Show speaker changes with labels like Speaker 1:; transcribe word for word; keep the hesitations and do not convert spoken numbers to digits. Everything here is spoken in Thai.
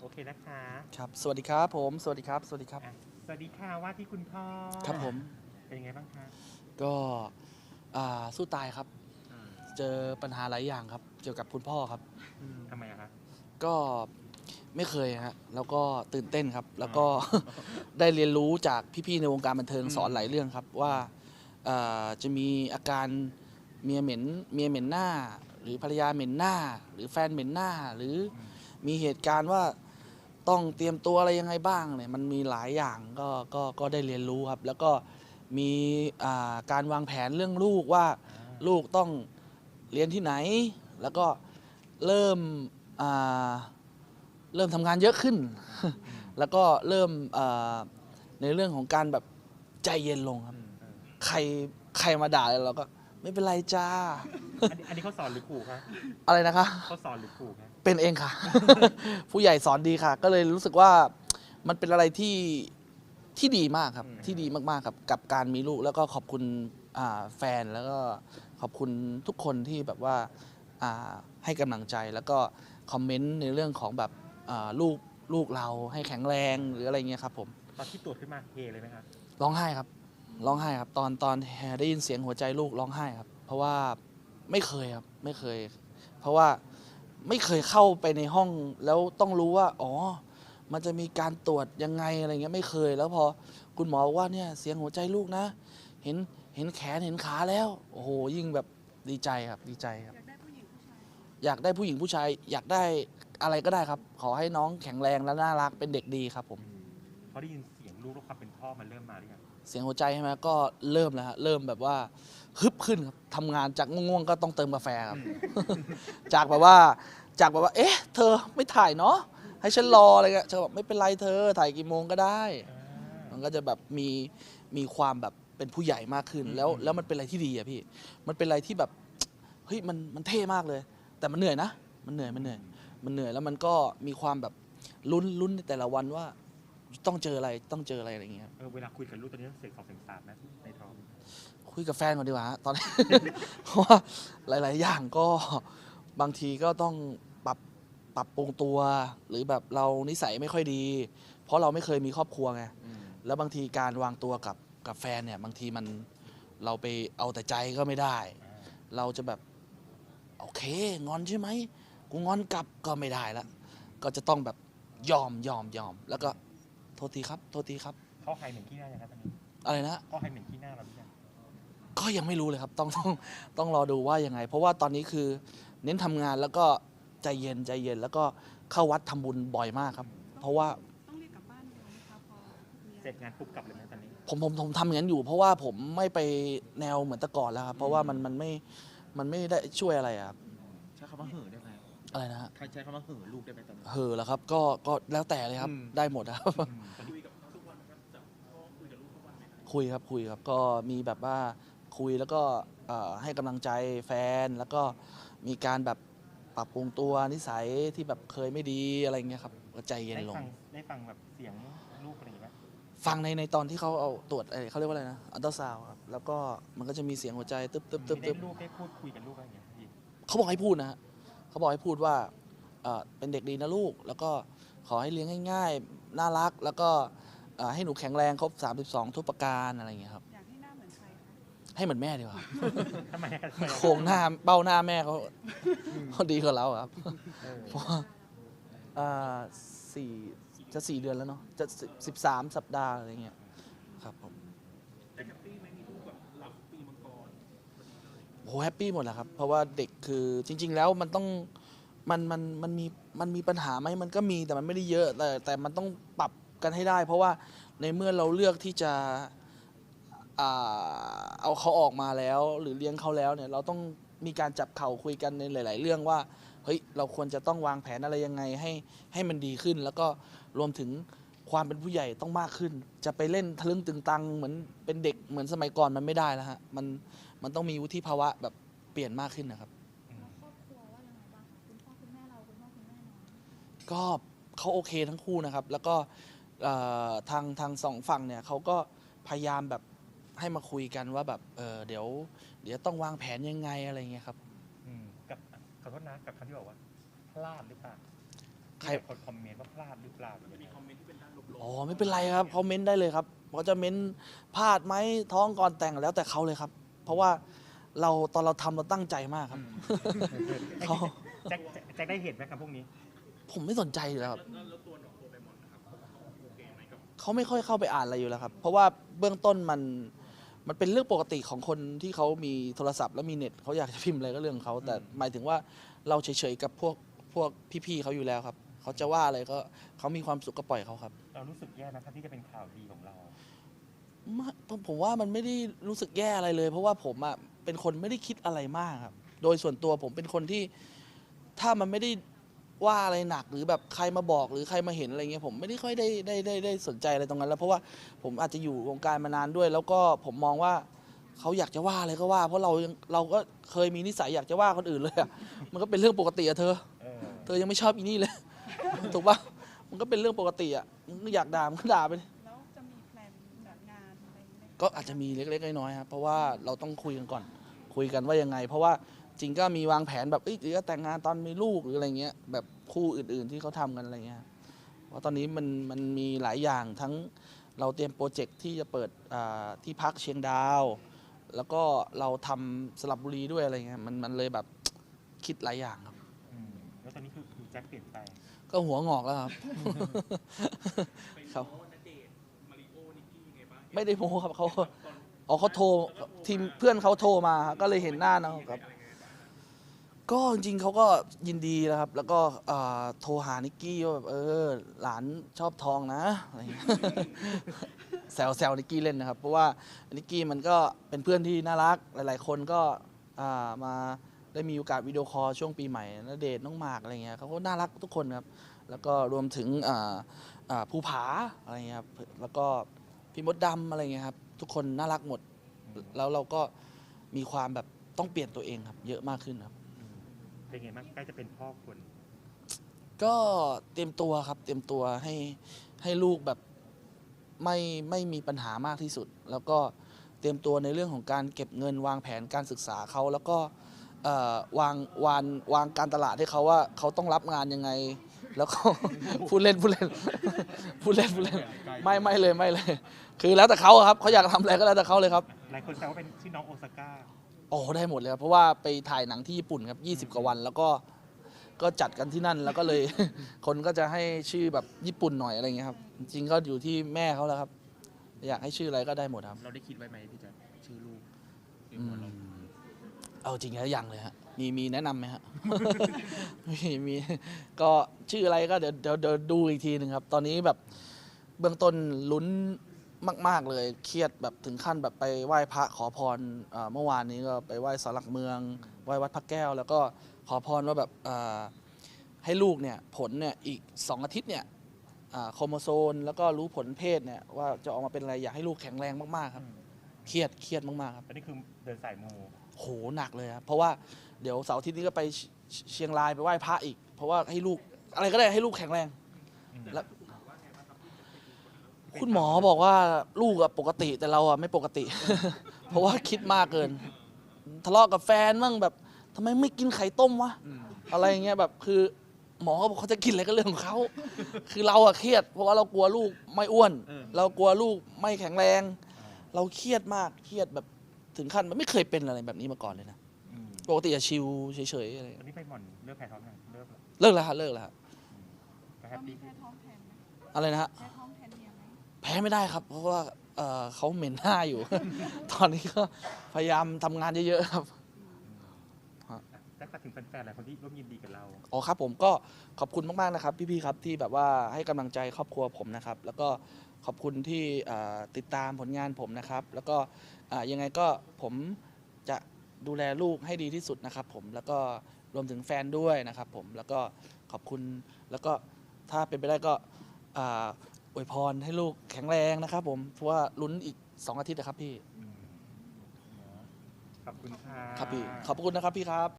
Speaker 1: โอเคนะคะ
Speaker 2: ครับสวัสดีครับผมสวัสดีครับสวัสดีครับ
Speaker 1: อ่ะสวัสดีค่ะว่าที่คุณพ่อ
Speaker 2: ครับผม
Speaker 1: เป็นยังไงบ้างคะ
Speaker 2: ก็อ่าสู้ตายครับ
Speaker 1: อืม
Speaker 2: เจอปัญหาหลายอย่างครับเกี่ยวกับคุณพ่อครับ
Speaker 1: ทำไมอะคะ
Speaker 2: ก็ไม่เคยฮะแล้วก็ตื่นเต้นครับแล้วก็
Speaker 1: อ๋อ
Speaker 2: ได้เรียนรู้จากพี่ๆในวงการบันเทิง
Speaker 1: อืม
Speaker 2: สอนหลายเรื่องครับว่าอ่าจะมีอาการเมียเหม็นเมียเหม็นหน้า หรือภรรยาเหม็นหน้า หรือแฟนเหม็นหน้า หรือ
Speaker 1: อืม
Speaker 2: มีเหตุการณ์ว่าต้องเตรียมตัวอะไรยังไงบ้างเนี่ยมันมีหลายอย่างก็ก็ก็ได้เรียนรู้ครับแล้วก็มีอ่าการวางแผนเรื่องลูกว่า
Speaker 1: อ่า
Speaker 2: ลูกต้องเรียนที่ไหน แล้วก็เริ่มอ่าเริ่มทำงานเยอะขึ้น
Speaker 1: อืม
Speaker 2: แล้วก็เริ่มอ่าในเรื่องของการแบบใจเย็นลงครับ
Speaker 1: อืมอืม
Speaker 2: ใครใครมาด่าเราก็ไม่เป็นไรจ้า
Speaker 1: อันนี้อันนี้เขาสอนหรือขู่คะ
Speaker 2: อะไรนะคะ
Speaker 1: เขาสอนหรือขู่คะ
Speaker 2: เป็นเองค่ะ ผู้ใหญ่สอนดีค่ะ ก็เลยรู้สึกว่ามันเป็นอะไรที่ที่ดีมากครับ ที่ดีมากๆครับกับการมีลูกแล้วก็ขอบคุณอ่าแฟนแล้วก็ขอบคุณทุกคนที่แบบว่าอ่าให้กำลังใจแล้วก็คอมเมนต์ในเรื่องของแบบอ่าลูกลูกเราให้แข็งแรงหรืออะไรเงี้ยครับผม
Speaker 1: ตอนที่ตรวจขึ้นมาเฮเลยไหมคะ
Speaker 2: ร้องไห้ครับร้องไห้ครับตอนตอนได้ยินเสียงหัวใจลูกร้องไห้ครับ เพราะว่าไม่เคยครับไม่เคย เพราะว่าไม่เคยเข้าไปในห้องแล้วต้องรู้ว่าอ๋อมันจะมีการตรวจยังไงอะไรเงี้ยไม่เคย แล้วพอคุณหมอบอกว่าเนี่ยเสียงหัวใจลูกนะ เห็นเห็นแขนเห็นขาแล้วโอ้โหยิ่งแบบดีใจครับดีใจครับอยากได้ผู้หญิงผู้ชายอยากได้อะไรก็ได้ครับ ขอให้น้องแข็งแรงและน่ารักเป็นเด็กดีครับผม
Speaker 1: อืมเขาได้ยินเสียงลูกแล้วความเป็นพ่อมันเริ่มมาหรือยัง
Speaker 2: เสียงหัวใจใช่ไหมก็เริ่มแล้วฮะเริ่มแบบว่าฮึบขึ้นครับทำงานจากง่วงๆก็ต้องเติมกาแฟครับ จากแบบว่าจากแบบว่า เอ๊ะ เธอไม่ถ่ายเนาะให้ฉันรออะไรเงี้ยเธอบอกไม่เป็นไรเธอถ่ายกี่โมงก็ได้
Speaker 1: อ่า
Speaker 2: มันก็จะแบบมีมีความแบบเป็นผู้ใหญ่มากขึ้น
Speaker 1: อืม
Speaker 2: แล้ว
Speaker 1: อืม
Speaker 2: แล้วมันเป็นอะไรที่ดีอะพี่ มันเป็นอะไรที่แบบเฮ้ยมันมันเท่มากเลย แต่มันเหนื่อยนะ มันเหนื่อยมันเหนื่อยมันเหนื่อยแล้วมันก็มีความแบบลุ้นลุ้นในแต่ละวันว่าต้องเจออะไรต้องเจออะไรอะไรอย่างเงี้ย
Speaker 1: เออเวลาคุยกับลูกตอนนี้ต้องเสียงสองเสียงสามนะในท้อง
Speaker 2: คุยกับแฟนก่อนดีกว่าฮะตอนนี้ เพราะว่าหลาย ๆ อย่างก็บางทีก็ต้องปรับปรับปรุงตัว หรือแบบเรานิสัยไม่ค่อยดี เพราะเราไม่เคยมีครอบครัวไง
Speaker 1: อืม
Speaker 2: แล้วบางทีการวางตัวกับกับแฟนเนี่ยบางทีมันเราไปเอาแต่ใจก็ไม่ได้
Speaker 1: อ่า
Speaker 2: เราจะแบบโอเคงอนใช่ไหมกูงอนกลับก็ไม่ได้ละก็จะต้องแบบยอมยอมยอมแล้วก็โทษทีครับโทษทีครับ
Speaker 1: เขาหายเหม็นขี้หน้ายังคะตอนนี้
Speaker 2: อะไรนะ
Speaker 1: เขาหายเหม็นขี้หน้าเราหรือยัง
Speaker 2: ก็ยังไม่รู้เลยครับต้องต้องต้องรอดูว่ายังไง เพราะว่าตอนนี้คือเน้นทำงานแล้วก็ใจเย็นใจเย็นแล้วก็เข้าวัดทำบุญบ่อยมากครับ เพราะว่า
Speaker 3: ต้องเรียกกลับบ้านเลยนะคะพอมี
Speaker 1: เสร็จงานปุ๊บกลับเลยไหมตอนนี้
Speaker 2: ผมผมผมทำอย่างนั้นอยู่ เพราะว่าผมไม่ไปแนวเหมือนแต่ก่อนแล้วครับเพราะว่ามันมันไม่มันไม่ได้ช่วยอะไรอะครับ
Speaker 4: ใช้คำว่าเห่อได้ไหม
Speaker 2: อะไรนะฮะ
Speaker 4: ใครใช้คำว่าเห่อลูกได้ไหมตอนนี้
Speaker 2: เหอะแล้วครับก็ก็แล้วแต่เลยครับ
Speaker 4: อืม
Speaker 2: ได้หมดนะครับ
Speaker 1: อืมตอนนี้
Speaker 2: คุยครับคุยครับก็มีแบบว่าคุยแล้วก็เอ่อให้กำลังใจแฟนแล้วก็มีการแบบปรับปรุงตัวนิสัยที่แบบเคยไม่ดีอะไรเงี้ยครับก็ใจเย็น
Speaker 1: ได้
Speaker 2: ลง
Speaker 1: ฟังได้ฟังแบบเสียงลูกอะไรอย่างเงี้ย
Speaker 2: ฟังในในตอนที่เขาเอาตรวจเอ่อเขาเรียกว่าอะไรนะอัลตราซาวครับแล้วก็มันก็จะมีเสียงหัวใจตึ๊บตึ๊บตึ๊บ
Speaker 1: ได้
Speaker 2: ตึ๊บ
Speaker 1: ลูกได้พูดคุยกับลูกอะไรอย่างเงี้ยพี่
Speaker 2: เขาบอกให้พูดนะฮะเขาบอกให้พูดว่าเอ่อเป็นเด็กดีนะลูก แล้วก็ขอให้เลี้ยงง่ายๆน่ารัก แล้วก็เอ่อให้หนูแข็งแรงครบสามสิบสองทุกประการอะไรอย่างเงี้ยครับ
Speaker 3: อยากให้หน้าเหมือนใครคะ
Speaker 2: ให้เหมือนแม่ดีกว่า
Speaker 1: ทำไมอะทำไมอะ
Speaker 2: โครงหน้าเบ้าหน้าแม่เขาเขาดีกว่าเราครับ
Speaker 1: เออ
Speaker 2: เพราะว่าอ่าสี่จะสี่เดือนแล้วเนาะจะสิบสามสัปดาห์อะไรเงี้ยครับผมโหแฮปปี้หมดแหละครับ เพราะว่าเด็กคือจริง ๆ แล้วมันต้องมันมันมันมีมันมีปัญหาไหมมันก็มีแต่มันไม่ได้เยอะ แต่แต่มันต้องปรับกันให้ได้ เพราะว่าในเมื่อเราเลือกที่จะอ่าเอาเขาออกมาแล้ว หรือเลี้ยงเขาแล้วเนี่ยเราต้องมีการจับเข่าคุยกันในหลาย ๆ เรื่องว่า เฮ้ยเราควรจะต้องวางแผนอะไรยังไงให้ให้มันดีขึ้น แล้วก็รวมถึงความเป็นผู้ใหญ่ต้องมากขึ้น จะไปเล่นทะลึ่งตึงตังเหมือนเป็นเด็กเหมือนสมัยก่อนมันไม่ได้แล้วฮะมันมันต้องมีวุฒิภาวะแบบเปลี่ยนมากขึ้นนะครับ
Speaker 3: แล้วครอบครัวว่ายังไงบ้างคะคุณพ่อคุณแม่เราคุณพ่อคุณแม่น้อง
Speaker 2: ก็เขาโอเคทั้งคู่นะครับ แล้วก็เอ่อทางทางสองฝั่งเนี่ยเขาก็พยายามแบบให้มาคุยกันว่าแบบเออเดี๋ยว เดี๋ยวต้องวางแผนยังไงอะไรเงี้ยครับ
Speaker 1: อืมกับขอโทษนะกับคำที่บอกว่าพลาดหรือเปล่า
Speaker 2: ใคร
Speaker 1: คนคอมเมนต์ว่าพลาดหรือเปล่าอย่างเงี้ย
Speaker 2: อ๋อไม่เป็นไรครับเขาเม้นได้เลยครับเขาจะเม้นพลาดไหมท้องก่อนแต่งแล้วแต่เขาเลยครับ เพราะว่าเราตอนเราทำเราตั้งใจมากครับ เขา
Speaker 1: แจ็คแจ็คได้เห็นไหมครับพวกนี้
Speaker 2: ผมไม่สนใจอยู่แล้วครับเขาไม่ค่อยเข้าไปอ่านอะไรอยู่แล้วครับ เพราะว่าเบื้องต้นมันมันเป็นเรื่องปกติของคนที่เขามีโทรศัพท์และมีเน็ตเขาอยากจะพิมพ์อะไรก็เรื่องของเขาแต่หมายถึงว่าเราเฉยๆกับพวกพวกพี่ๆเขาอยู่แล้วครับเขาจะว่าอะไรก็เขามีความสุขก็ปล่อยเขาครับ
Speaker 1: เรารู้สึกแย่นะครับที่จะเป็นข่าวดีของเรา
Speaker 2: ไม่ผมผมว่ามันไม่ได้รู้สึกแย่อะไรเลย เพราะว่าผมอ่ะเป็นคนไม่ได้คิดอะไรมากครับ โดยส่วนตัวผมเป็นคนที่ถ้ามันไม่ได้ว่าอะไรหนักหรือแบบใครมาบอกหรือใครมาเห็นอะไรเงี้ยผมไม่ได้ค่อยได้ได้ได้ได้สนใจอะไรตรงนั้นแล้วเพราะว่าผมอาจจะอยู่วงการมานานด้วย แล้วก็ผมมองว่าเขาอยากจะว่าอะไรก็ว่า เพราะเรายังเราก็เคยมีนิสัยอยากจะว่าคนอื่นเลยอะมันก็เป็นเรื่องปกติอะเธอ
Speaker 1: เออ
Speaker 2: เธอยังไม่ชอบอีนี่เลย ถูกปะมันก็เป็นเรื่องปกติอะมึงอยากด่ามันก็ด่าไปดิ
Speaker 3: แล้วจะมีแพลนแบบงานอะไรไหม
Speaker 2: ก็อาจจะมีเล็กๆน้อยๆครับเพราะว่าเราต้องคุยกันก่อน คุยกันว่ายังไง เพราะว่าจริงก็มีวางแผนแบบเอ้ยหรือจะแต่งงานตอนมีลูกหรืออะไรเงี้ยแบบคู่อื่นๆที่เขาทำกันอะไรเงี้ยเพราะตอนนี้มันมันมีหลายอย่างทั้งเราเตรียมโปรเจกต์ที่จะเปิดอ่าที่พักเชียงดาว แล้วก็เราทำสลับบุรีด้วยอะไรเงี้ยมันมันเลยแบบคิดหลายอย่างครับ
Speaker 1: อืมแล้วตอนนี้คือคือแจ็คเปลี่ยนไป
Speaker 2: ก็หัวงอกแล้วครับ ครับไม่ได้โม้ครับเขาอ๋อเขาโทรทีมเพื่อนเขาโทรมาก็เลยเห็นหน้านะครับ ก็จริงๆเขาก็ยินดีนะครับ แล้วก็เอ่อโทรหานิกกี้ว่าแบบเออหลานชอบทองนะอะไรเงี้ย แซวแซวนิกกี้เล่นนะครับ เพราะว่านิกกี้มันก็เป็นเพื่อนที่น่ารักหลายๆ คนก็อ่ามาได้มีโอกาสวิดีโอคอลช่วงปีใหม่ณเดชน์น้องหมากอะไรเงี้ยเขาก็น่ารักทุกคนครับ แล้วก็รวมถึงอ่าอ่าภูผาอะไรเงี้ยครับแล้วก็พี่มดดำอะไรเงี้ยครับทุกคนน่ารักหมด แล้วเราก็มีความแบบต้องเปลี่ยนตัวเองครับ เยอะมากขึ้นครับ
Speaker 1: อืมเป็นไงบ้างใกล้จะเป็นพ่อคน
Speaker 2: ก็เตรียมตัวครับ เตรียมตัวให้ให้ลูกแบบไม่ไม่มีปัญหามากที่สุด แล้วก็เตรียมตัวในเรื่องของการเก็บเงินวางแผนการศึกษาเขาแล้วก็เอ่อวางวางวางการตลาดให้เขาว่าเขาต้องรับงานยังไง แล้วก็ พูดเล่นพูดเล่น พูดเล่นพูดเล่นไม่ไม่เลยไม่เลย คือแล้วแต่เขาอะครับเขาอยากทำอะไรก็แล้วแต่เขาเลยครับ
Speaker 1: หลายคนแซวว่าเป็นชื่อน้องโอซาก้า
Speaker 2: โอ้ได้หมดเลยครับเพราะว่าไปถ่ายหนังที่ญี่ปุ่นครับยี่สิบกว่าวัน แล้วก็ก็จัดกันที่นั่นแล้วก็เลย คนก็จะให้ชื่อแบบญี่ปุ่นหน่อยอะไรเงี้ยครับ จริงๆก็อยู่ที่แม่เขาแล้วครับ อยากให้ชื่ออะไรก็ได้หมดครับ
Speaker 4: เราได้คิดไว้ไหมพี่แจ๊คชื่อลูกใน
Speaker 2: อื
Speaker 4: หัว
Speaker 2: ม
Speaker 4: เรา
Speaker 2: เอาจริงแล้วยังเลยฮะมีมีแนะนำไหมฮะ มีมีก็ชื่ออะไรก็เดี๋ยวเดี๋ยวเดี๋ยวดูอีกทีหนึ่งครับ ตอนนี้แบบเบื้องต้นลุ้นมาก ๆ เลยเครียดแบบถึงขั้นแบบไปไหว้พระขอพรอ่าเมื่อวานนี้ก็ไปไหว้ศาลหลักเมืองไหว้วัดพระแก้ว แล้วก็ขอพรว่าแบบอ่าให้ลูกเนี่ยผลเนี่ยอีกสองอาทิตย์เนี่ยอ่าโครโมโซนแล้วก็รู้ผลเพศเนี่ยว่าจะออกมาเป็นอะไรอยากให้ลูกแข็งแรงมากๆครับเครียดเครียดมากๆครับ
Speaker 1: ตอนนี้คือเดินสายมู
Speaker 2: โหหนักเลยครับเพราะว่าเดี๋ยวเสาร์อาทิตย์นี้ก็ไปเชเชียงรายไปไหว้พระอีก เพราะว่าให้ลูกอะไรก็ได้ให้ลูกแข็งแรง
Speaker 1: อืม
Speaker 2: แล้วคุณหมอบอกว่าลูกอะปกติแต่เราอะไม่ปกติ เพราะว่าคิดมากเกิน ทะเลาะกับแฟนมั่งแบบทำไมไม่กินไข่ต้มวะอะไรอย่างเงี้ยแบบคือหมอเขาบอกเขาจะกินอะไรก็เรื่องของเขาคือเราอะเครียด เพราะว่าเรากลัวลูกไม่อ้วน เรากลัวลูกไม่แข็งแรง เราเครียดมากเครียดแบบถึงขั้นมันไม่เคยเป็นอะไรแบบนี้มาก่อนเลยนะ
Speaker 1: อืม
Speaker 2: ปกติจะชิลเฉยๆอะไร
Speaker 1: ตอนนี้ไปหม่อนเลิกแพ้ท้องยังเลิกแล้ว
Speaker 2: เลิกแล้วฮะเลิกแล้วฮะ
Speaker 1: ก็แฮ
Speaker 3: เรา
Speaker 1: ป
Speaker 3: มี
Speaker 1: ปี้
Speaker 3: แพ้ท้องแทนไหม
Speaker 2: อะไรนะฮะ
Speaker 3: แพ้ท้องแทนเมียไหม
Speaker 2: แพ้ไม่ได้ครับ เพราะว่าเอ่อเขาเหม็นหน้าอยู่ ตอนนี้ก็พยายามทำงานเยอะๆครับ
Speaker 1: แจ็คฝากถึงแฟนๆหลายคนที่ร่วมยินดีกับเรา
Speaker 2: อ๋อครับผมก็ขอบคุณมากๆนะครับ พี่ๆครับที่แบบว่าให้กำลังใจครอบครัวผมนะครับ แล้วก็ขอบคุณที่อ่าติดตามผลงานผมนะครับ แล้วก็อ่ายังไงก็ผมจะดูแลลูกให้ดีที่สุดนะครับผมแล้วก็รวมถึงแฟนด้วยนะครับผมแล้วก็ขอบคุณแล้วก็ถ้าเป็นไปได้ก็อ่าอวยพรให้ลูกแข็งแรงนะครับผมเพราะว่าลุ้นอีกสองอาทิตย์นะครับพี่
Speaker 1: อืมขอบคุณค่ะ
Speaker 2: ครับพี่ขอบคุณนะครับพี่ครับ